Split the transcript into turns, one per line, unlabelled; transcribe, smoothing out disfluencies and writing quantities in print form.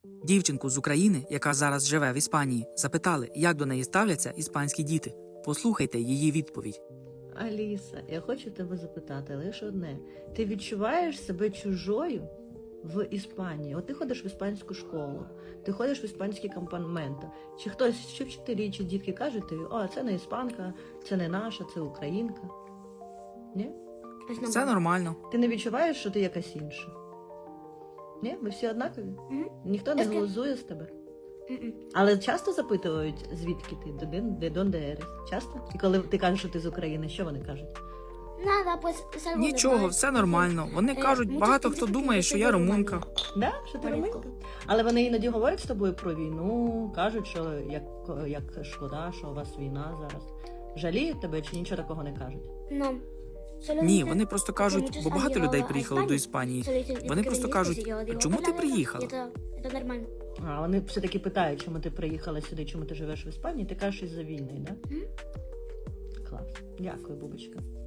Дівчинку з України, яка зараз живе в Іспанії, запитали, як до неї ставляться іспанські діти. Послухайте її відповідь.
Аліса, я хочу тебе запитати лише одне. Ти відчуваєш себе чужою в Іспанії? От ти ходиш в іспанську школу, ти ходиш в іспанські кампоменти. Чи хтось, чи вчителі, чи дітки кажуть тобі, о, це не іспанка, це не наша, це українка? Ні?
Все нормально.
Ти не відчуваєш, що ти якась інша? Ні? Ви всі однакові? Ніхто не глузує з тебе? Але часто запитують, звідки ти, де донде ерес? Часто? І коли ти кажеш, що ти з України, що вони кажуть?
Нічого, все нормально. Вони кажуть, багато хто думає, що я румунка.
Да? Що ти румунка? Але вони іноді говорять з тобою про війну, кажуть, що як шкода, що у вас війна зараз. Жаліють тебе чи нічого такого не кажуть?
Ні, вони просто кажуть, бо багато людей приїхало до Іспанії. Вони просто кажуть, чому ти приїхала?
А вони все-таки питають, чому ти приїхала сюди, чому ти живеш в Іспанії, ти кажеш із-за війни, да? Клас. Дякую, Бубочка.